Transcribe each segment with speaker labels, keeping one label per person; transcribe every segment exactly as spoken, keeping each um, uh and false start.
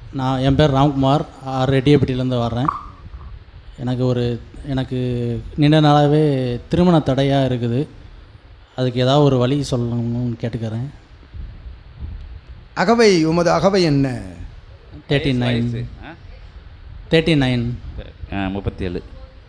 Speaker 1: நான் என் பேர் ராம்குமார், ரெட்டியப்பட்டியிலேருந்து வர்றேன். எனக்கு ஒரு எனக்கு நீண்ட நாளாகவே திருமண தடையாக இருக்குது. அதுக்கு ஏதாவது ஒரு வழி சொல்லணும்னு கேட்டுக்கிறேன்.
Speaker 2: அகவை உமது அகவை என்ன?
Speaker 1: தேர்ட்டி நைன் தேர்ட்டி நைன்
Speaker 3: முப்பத்தி ஏழு.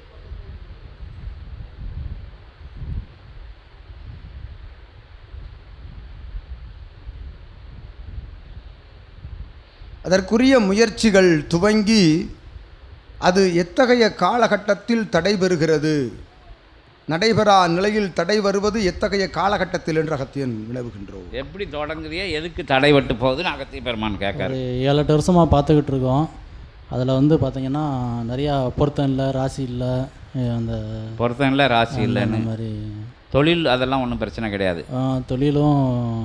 Speaker 2: அதற்குரிய முயற்சிகள் துவங்கி அது எத்தகைய காலகட்டத்தில் தடைபெறுகிறது, நடைபெறா நிலையில் தடை வருவது எத்தகைய காலகட்டத்தில் என்று அகத்தியன் வினவுகின்றோம்.
Speaker 3: எப்படி தொடங்குறியா, எதுக்கு தடைபட்டு போகுதுன்னு அகத்திய பெருமான் கேட்காரு.
Speaker 1: ஏழு எட்டு வருஷமாக பார்த்துக்கிட்டு இருக்கோம். அதில் வந்து பார்த்திங்கன்னா நிறையா பொருத்தம் இல்லை, ராசி இல்லை, அந்த
Speaker 3: பொருத்தம் இல்லை, ராசி இல்லை,
Speaker 1: அந்த மாதிரி.
Speaker 3: தொழில் அதெல்லாம் ஒன்றும் பிரச்சனை கிடையாது.
Speaker 1: தொழிலும்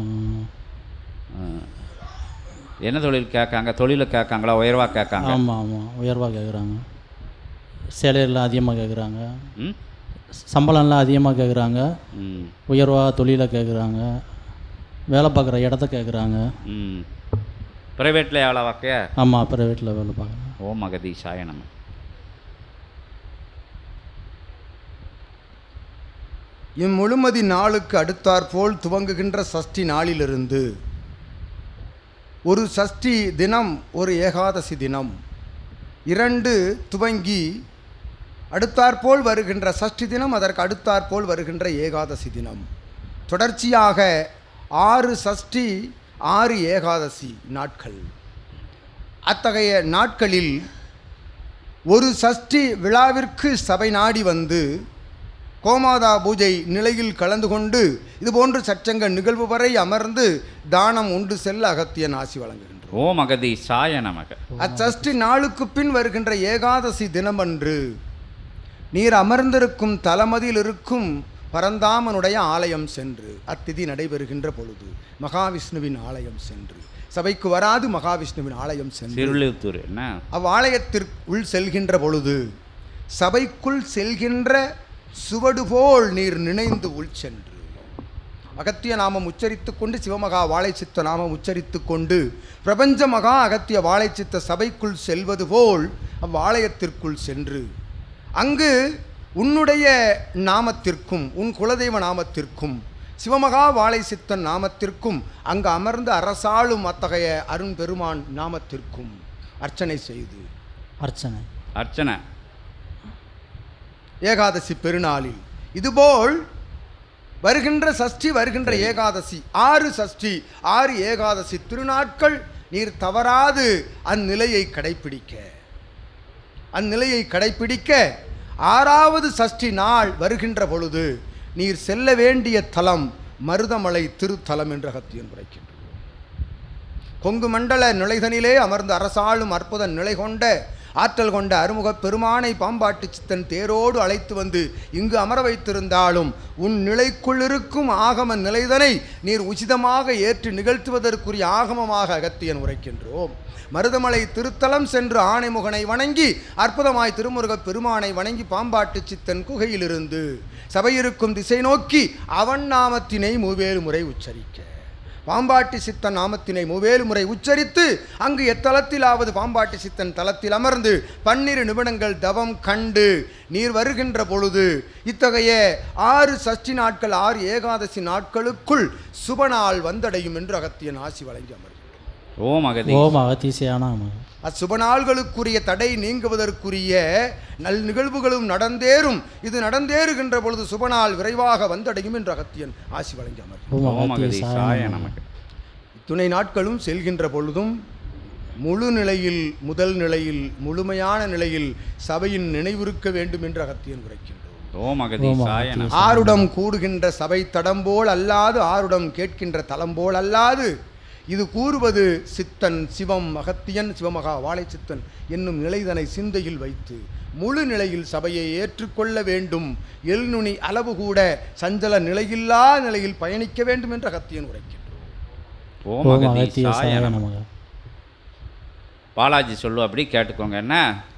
Speaker 3: என்ன தொழில் கேட்காங்க? தொழிலை கேட்காங்களா, உயர்வாக கேட்காங்க?
Speaker 1: ஆமாம் ஆமாம் உயர்வாக கேட்குறாங்க. சேலையெல்லாம் அதிகமாக கேட்குறாங்க, சம்பளம்லாம் அதிகமாக கேட்குறாங்க, உயர்வாக தொழிலை கேட்குறாங்க, வேலை பார்க்குற இடத்த கேட்குறாங்க.
Speaker 3: ம் ப்ரைவேட்டில் எவ்வளோ வாக்க?
Speaker 1: ஆமாம் ப்ரைவேட்டில் வேலை பார்க்குறேன்.
Speaker 3: ஓம் அகதீஷாய நம.
Speaker 2: இம்முழுமதி நாளுக்கு அடுத்தாற்போல் துவங்குகின்ற சஷ்டி நாளிலிருந்து ஒரு சஷ்டி தினம், ஒரு ஏகாதசி தினம், இரண்டு துவங்கி அடுத்தாற்போல் வருகின்ற சஷ்டி தினம், அதற்கு அடுத்தாற்போல் வருகின்ற ஏகாதசி தினம், தொடர்ச்சியாக ஆறு சஷ்டி ஆறு ஏகாதசி நாட்கள். அத்தகைய நாட்களில் ஒரு சஷ்டி விழாவிற்கு சபை நாடி வந்து கோமாதா பூஜை நிலையில் கலந்து கொண்டு இதுபோன்று சச்சங்க நிகழ்வு வரை அமர்ந்து தானம் உண்டு செல்ல அகத்தியன் ஆசி வழங்குகின்றோம்.
Speaker 3: ஓம் அகதீஷாய நமக.
Speaker 2: அச்சஷ்டி நாளுக்கு பின் வருகின்ற ஏகாதசி தினமன்று நீர் அமர்ந்திருக்கும் தலமதியில் இருக்கும் பரந்தாமனுடைய ஆலயம் சென்று, அத்திதி நடைபெறுகின்ற பொழுது மகாவிஷ்ணுவின் ஆலயம் சென்று, சபைக்கு வராது மகாவிஷ்ணுவின் ஆலயம் சென்று அவ்வாலயத்திற்குள் செல்கின்ற பொழுது சபைக்குள் செல்கின்ற சுவடு போல் நீர் நினைந்து உள் சென்று அகத்திய நாமம் உச்சரித்து கொண்டு, சிவமகா வாழைச்சித்த நாமம் உச்சரித்து கொண்டு பிரபஞ்ச மகா அகத்திய வாழைச்சித்த சபைக்குள் செல்வது போல் அவ்வாலயத்திற்குள் சென்று அங்கு உன்னுடைய நாமத்திற்கும் உன் குலதெய்வ நாமத்திற்கும் சிவமகா வாழை சித்தன் நாமத்திற்கும் அங்கு அமர்ந்து அரசாளும் அத்தகைய அருண் பெருமான் நாமத்திற்கும் அர்ச்சனை செய்து
Speaker 1: அர்ச்சனை
Speaker 3: அர்ச்சனை
Speaker 2: ஏகாதசி பெருநாளில் இதுபோல் வருகின்ற சஷ்டி வருகின்ற ஏகாதசி, ஆறு சஷ்டி ஆறு ஏகாதசி திருநாட்கள் நீர் தவறாது அந்நிலையை கடைப்பிடிக்க அந்நிலையை கடைப்பிடிக்க ஆறாவது சஷ்டி நாள் வருகின்ற பொழுது நீர் செல்ல வேண்டிய தலம் மருதமலை திருத்தலம் என்று அகத்தியன் உரைக்கின்றோம். கொங்கு மண்டல நிலைதனிலே அமர்ந்து அரசாளும் அற்புத நிலை கொண்ட ஆற்றல் கொண்ட அருமுகப் பெருமானை பாம்பாட்டு சித்தன் தேரோடு அழைத்து வந்து இங்கு அமர வைத்திருந்தாலும் உன் நிலைக்குள் இருக்கும் ஆகம நிலைதனை நீர் உச்சிதமாக ஏற்று நிகழ்த்துவதற்குரிய ஆகமமாக அகத்தியன் உரைக்கின்றோம். மருதமலை திருத்தலம் சென்று ஆணைமுகனை வணங்கி அற்புதமாய் திருமுருகப் பெருமானை வணங்கி பாம்பாட்டு சித்தன் குகையிலிருந்து சபையிருக்கும் திசை நோக்கி அவன் நாமத்தினை மூவேறு முறை உச்சரிக்க, பாம்பாட்டி சித்தன் நாமத்தினை மூவேறு முறை உச்சரித்து அங்கு எத்தலத்திலாவது பாம்பாட்டி சித்தன் தலத்தில் அமர்ந்து பன்னிரு நிமிடங்கள் தவம் கண்டு நீர் வருகின்ற பொழுது இத்தகைய ஆறு சஷ்டி நாட்கள் ஆறு ஏகாதசி நாட்களுக்குள் சுபநாள் வந்தடையும் என்று அகத்தியன் ஆசி வழங்கி அமர்கிறார்.
Speaker 3: ஓம் அகதி
Speaker 1: ஓம் அகதீஷாய நமக.
Speaker 2: அச்சுபநாள்களுக்குரிய தடை நீங்குவதற்குரிய நல் நிகழ்வுகளும் நடந்தேறும். இது நடந்தேறுகின்ற பொழுது சுபநாள் விரைவாக வந்தடையும் என்று அகத்தியன் ஆசி வழங்கி அமர்கிறார். துணை நாட்களும் செல்கின்ற பொழுதும் முழு நிலையில் முதல் நிலையில் முழுமையான நிலையில் சபையின் நினைவிருக்க வேண்டும் என்று அகத்தியன் உரைக்கின்றோம். ஆருடம் கூடுகின்ற சபை தடம்போல் அல்லாது, ஆருடம் கேட்கின்ற தலம்போல் அல்லாது, இது கூறுவது சித்தன் சிவம் அகத்தியன் சிவமகா வாழை சித்தன் என்னும் நிலைதனை சிந்தையில் வைத்து முழு நிலையில் சபையை ஏற்றுக்கொள்ள வேண்டும். எல்நுனி அளவு கூட சஞ்சல நிலையில்லா நிலையில் பயணிக்க வேண்டும் என்று அகத்தியன் உரைக்கின்றோம்.
Speaker 3: பாலாஜி சொல்லு, அப்படி கேட்டுக்கோங்க. என்ன